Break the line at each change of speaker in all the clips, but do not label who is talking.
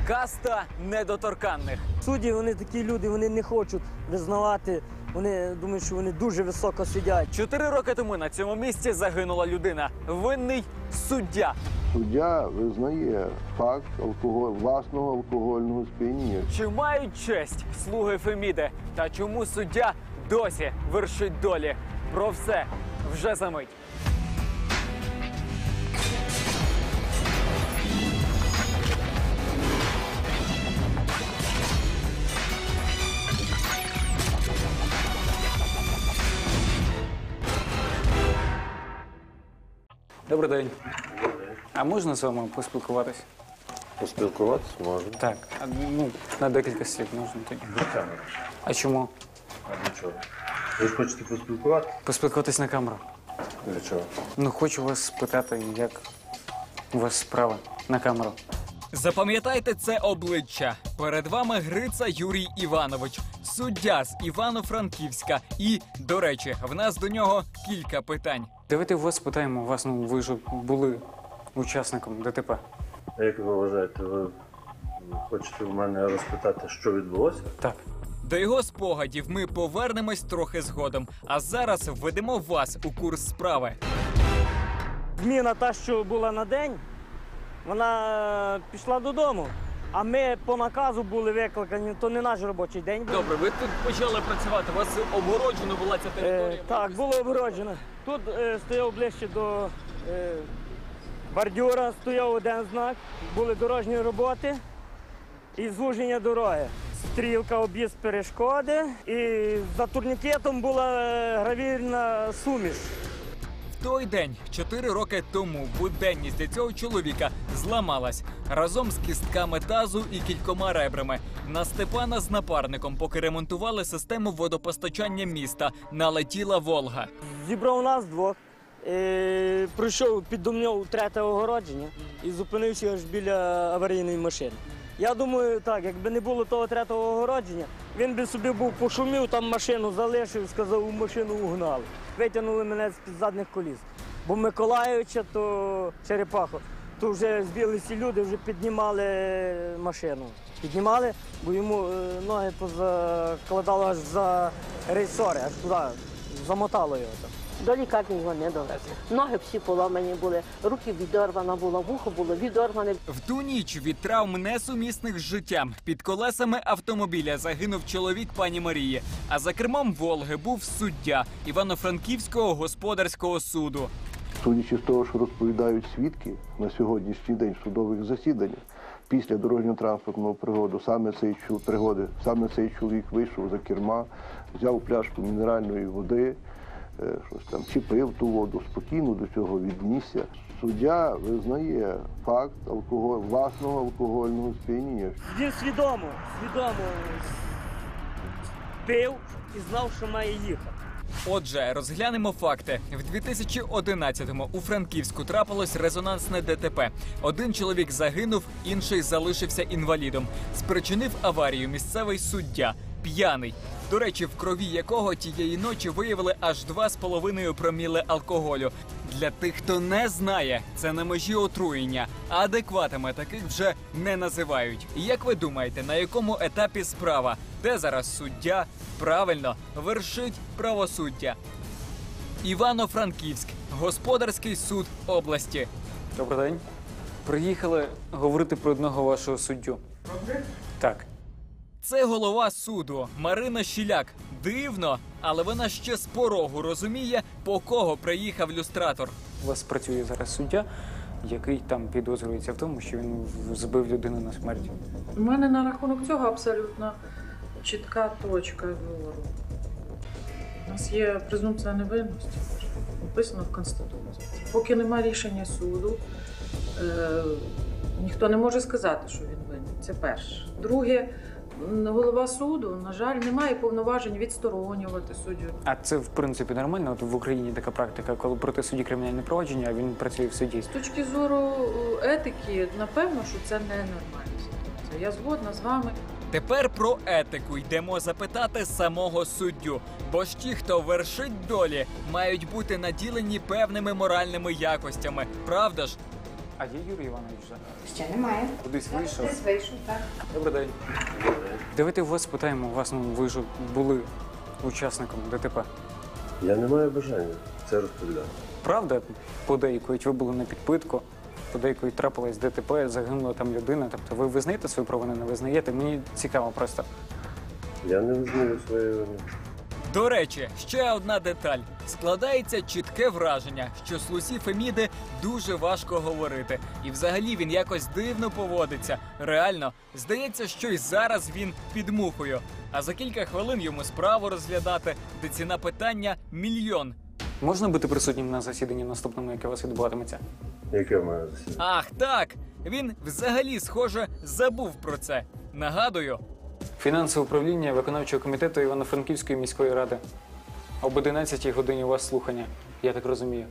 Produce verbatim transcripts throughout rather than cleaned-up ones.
Каста недоторканних.
Судді, вони такі люди, вони не хочуть визнавати, вони думають, що вони дуже високо сидять.
Чотири роки тому на цьому місці загинула людина. Винний суддя.
Суддя визнає факт алкоголь, власного алкогольного сп'яніння.
Чи мають честь слуги Феміди? Та чому суддя досі вершить долі? Про все вже за мить.
Добрий день. А можна з вами поспілкуватися?
Поспілкуватися можна.
Так, а, ну, на декілька слів можна тоді. А чому?
А для чого? Ви ж хочете поспілкуватися?
Поспілкуватись на камеру.
Для чого?
Ну, хочу вас спитати, як у вас справа на камеру.
Запам'ятайте це обличчя. Перед вами Гриця Юрій Іванович, суддя з Івано-Франківська. І, до речі, в нас до нього кілька питань.
Давайте у вас спитаємо, вас, ну, ви ж були учасником ДТП.
А як ви вважаєте, ви хочете в мене розпитати, що відбулося?
Так.
До його спогадів ми повернемось трохи згодом. А зараз введемо вас у курс справи.
Зміна та, що була на день, вона пішла додому. А ми по наказу були викликані, то не наш робочий день був.
Добре, ви тут почали працювати, у вас обгороджено була ця територія?
Е, так, було обгороджено. Тут е, стояв ближче до е, бордюра, стояв один знак, були дорожні роботи і звуження дороги. Стрілка, об'їзд перешкоди, і за турнікетом була е, гравірна суміш.
В той день, чотири роки тому, буденність для цього чоловіка зламалась. Разом з кістками тазу і кількома ребрами. На Степана з напарником, поки ремонтували систему водопостачання міста, налетіла «Волга».
Зібрав нас двох, е, пройшов під домньов третє огородження і зупинився аж біля аварійної машини. Я думаю, так, якби не було того третього огородження, він би собі був пошумів, там машину залишив, сказав, у машину угнали. Витягнули мене з-під задніх коліс. Бо Миколаївича, то Черепаху, то вже збілися люди, вже піднімали машину. Піднімали, бо йому е, ноги позакладало аж за рейсори, аж туди, замотало його там.
До лікарні його не довезли. Ноги всі поламані були, руки відорвана була, вухо було відорване.
В ту ніч від травм несумісних з життям під колесами автомобіля загинув чоловік пані Марії. А за кермом «Волги» був суддя Івано-Франківського господарського суду.
Судячи з того, що розповідають свідки на сьогоднішній день в судових засіданнях, після дорожньо-транспортного пригоду саме цей чу- пригоди, саме цей чоловік вийшов за керма, взяв пляшку мінеральної води, е, щось там чіпив ту воду, спокійно до цього віднісся. Суддя визнає факт алкоголь, власного алкогольного сп'яніння.
Він свідомо, свідомо пив і знав, що має їхати.
Отже, розглянемо факти. В дві тисячі одинадцятому у Франківську трапилось резонансне ДТП. Один чоловік загинув, інший залишився інвалідом. Спричинив аварію місцевий суддя, п'яний. До речі, в крові якого тієї ночі виявили аж два з половиною проміли алкоголю. Для тих, хто не знає, це на межі отруєння, а адекватами таких вже не називають. І як ви думаєте, на якому етапі справа? Де зараз суддя? Правильно, вершить правосуддя. Івано-Франківськ, господарський суд області.
Добрий день. Приїхали говорити про одного вашого суддю. Так.
Це голова суду Марина Щіляк. Дивно, але вона ще з порогу розуміє, по кого приїхав люстратор.
У вас працює зараз суддя, який там підозрюється в тому, що він збив людину на смерть.
У мене на рахунок цього абсолютно чітка точка зору. У нас є презумпція невинності, написано в Конституції. Поки немає рішення суду, е, ніхто не може сказати, що він винен. Це перше. Друге, голова суду, на жаль, не має повноважень відсторонювати суддю.
А це, в принципі, нормально? От в Україні така практика, коли проти судді кримінальне провадження, а він працює в суді.
З точки зору етики, напевно, що це не нормальна ситуація. Я згодна з вами.
Тепер про етику йдемо запитати самого суддю. Бо ж ті, хто вершить долі, мають бути наділені певними моральними якостями. Правда ж?
А є Юрій Іванович вже?
Ще немає.
Кудись вийшов?
Десь вийшов, так.
Добрий день. Давайте у вас питаємо, вас, ну, ви ж були учасником ДТП.
Я не маю бажання це розповідати.
Правда, подейкують, ви були на підпитку, подейкують трапилось ДТП, загинула там людина. Тобто ви визнаєте свою провину, не визнаєте? Мені цікаво просто.
Я не визнаю своєї вини.
До речі, ще одна деталь. Складається чітке враження, що Слусі Феміди дуже важко говорити. І взагалі він якось дивно поводиться. Реально, здається, що й зараз він під мухою. А за кілька хвилин йому справу розглядати, де ціна питання – мільйон.
Можна бути присутнім на засіданні наступному, яке у вас відбуватиметься?
Яке в мене засідання?
Ах так! Він взагалі, схоже, забув про це. Нагадую,
Фінансове управління виконавчого комітету Івано-Франківської міської ради. Об одинадцятій годині у вас слухання, я так розумію.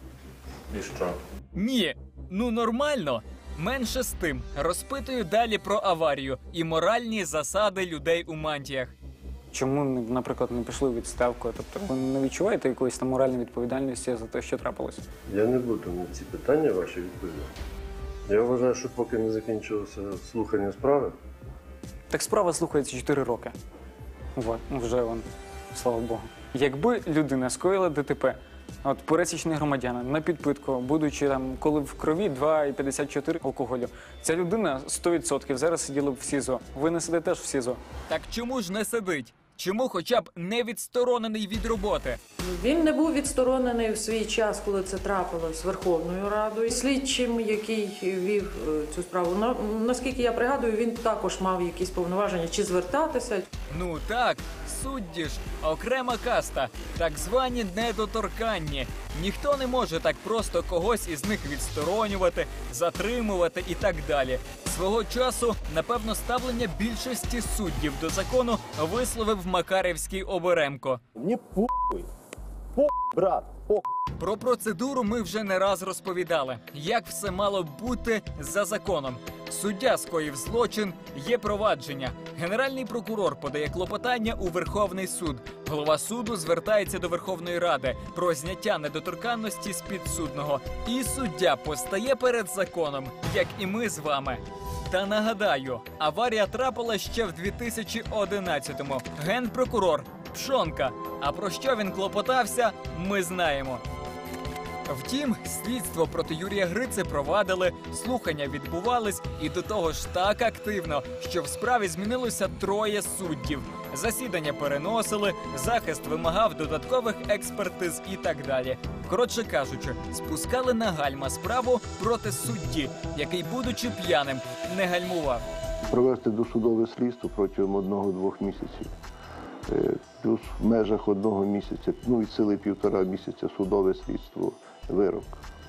І що?
ні, ну нормально. Менше з тим, розпитую далі про аварію і моральні засади людей у мантіях.
Чому, наприклад, не пішли у відставку? Тобто ви не відчуваєте якоїсь там моральної відповідальності за те, що трапилось?
Я не буду на ці питання ваші відповідати. Я вважаю, що поки не закінчилося слухання справи,
Так справа слухається чотири роки. Вот, ну вже вон, слава Богу. Якби людина скоїла ДТП, от пересічний громадянин на підпитку, будучи там, коли в крові два і п'ятдесят чотири алкоголю, ця людина сто відсотків зараз сиділа б в СІЗО. Ви не сидите теж в СІЗО.
Так чому ж не сидить? Чому хоча б не відсторонений від роботи?
Він не був відсторонений в свій час, коли це трапилось Верховною Радою. Слідчим, який вів е, цю справу, на, наскільки я пригадую, він також мав якісь повноваження чи звертатися.
Ну так, судді ж, окрема каста, так звані недоторканні. Ніхто не може так просто когось із них відсторонювати, затримувати і так далі. Свого часу, напевно, ставлення більшості суддів до закону висловив Макарівський Оберемко.
Мені похуй. Похуй, брат, похуй.
Про процедуру ми вже не раз розповідали. Як все мало б бути за законом. Суддя скоїв злочин, є провадження. Генеральний прокурор подає клопотання у Верховний суд. Голова суду звертається до Верховної Ради про зняття недоторканності з підсудного. І суддя постає перед законом, як і ми з вами. Та нагадаю, аварія трапила ще в дві тисячі одинадцятому. Генпрокурор Пшонка. А про що він клопотався, ми знаємо. Втім, слідство проти Юрія Грици провадили, слухання відбувались і до того ж так активно, що в справі змінилося троє суддів. Засідання переносили, захист вимагав додаткових експертиз і так далі. Коротше кажучи, спускали на гальма справу проти судді, який, будучи п'яним, не гальмував.
Провести досудове слідство протягом одного-двох місяців. Е, Плюс в межах одного місяця, ну від сили півтора місяця судове слідство, вирок.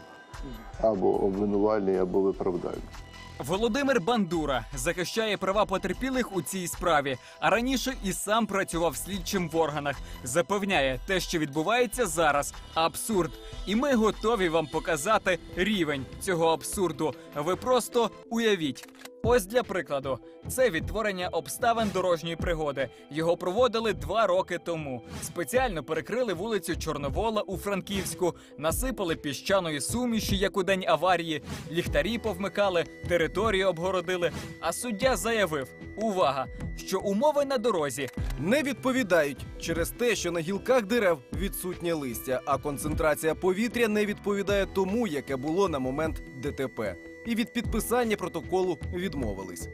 Або обвинувальний, або виправдальний.
Володимир Бандура захищає права потерпілих у цій справі, а раніше і сам працював слідчим в органах. Запевняє, те, що відбувається зараз – абсурд. І ми готові вам показати рівень цього абсурду. Ви просто уявіть. Ось для прикладу. Це відтворення обставин дорожньої пригоди. Його проводили два роки тому. Спеціально перекрили вулицю Чорновола у Франківську, насипали піщаної суміші, як у день аварії, ліхтарі повмикали, територію обгородили. А суддя заявив, увага, що умови на дорозі
Не відповідають через те, що на гілках дерев відсутнє листя, а концентрація повітря не відповідає тому, яке було на момент ДТП. І від підписання протоколу відмовились.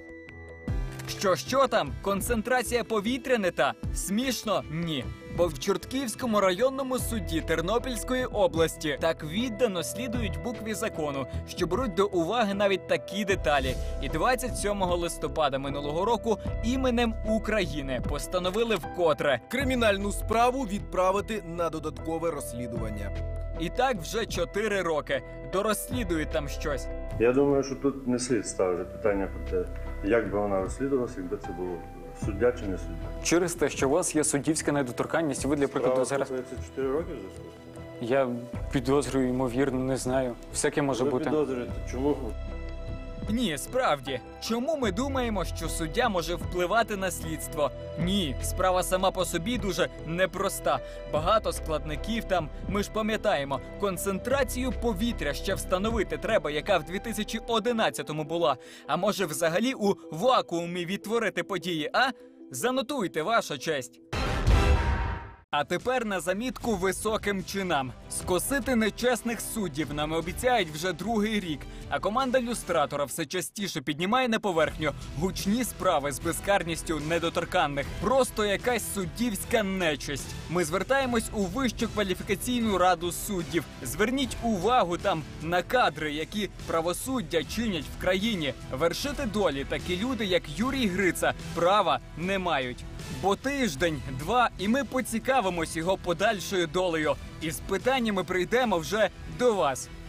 Що, що там? Концентрація повітря не та? Смішно? Ні. Бо в Чортківському районному суді Тернопільської області так віддано слідують букві закону, що беруть до уваги навіть такі деталі. І двадцять сьомого листопада минулого року іменем України постановили вкотре.
Кримінальну справу відправити на додаткове розслідування.
І так вже чотири роки. Дорозслідують там щось.
я думаю, що тут не слід ставити питання про те, як би вона розслідувалася, якби це було суддя чи не суддя.
Через те, що у вас є суддівська недоторканність, ви, для прикладу, зараз...
слухається чотири роки вже слухається?
Я підозрюю, ймовірно, не знаю. Всяке може
Ви
бути.
підозрюєте, чому?
Ні, справді. Чому ми думаємо, що суддя може впливати на слідство? Ні, справа сама по собі дуже непроста. Багато складників там. Ми ж пам'ятаємо, концентрацію повітря ще встановити треба, яка в дві тисячі одинадцятому була. А може взагалі у вакуумі відтворити події, а? Занотуйте, ваша честь. А тепер на замітку високим чинам. Скосити нечесних суддів нам обіцяють вже другий рік, а команда люстратора все частіше піднімає на поверхню гучні справи з безкарністю недоторканних. Просто якась суддівська нечисть. Ми звертаємось у Вищу кваліфікаційну раду суддів. Зверніть увагу там на кадри, які правосуддя чинять в країні. Вершити долі такі люди, як Юрій Гриця, права не мають. Бо тиждень, два, і ми поцікавимось його подальшою долею. І з питаннями прийдемо вже до вас.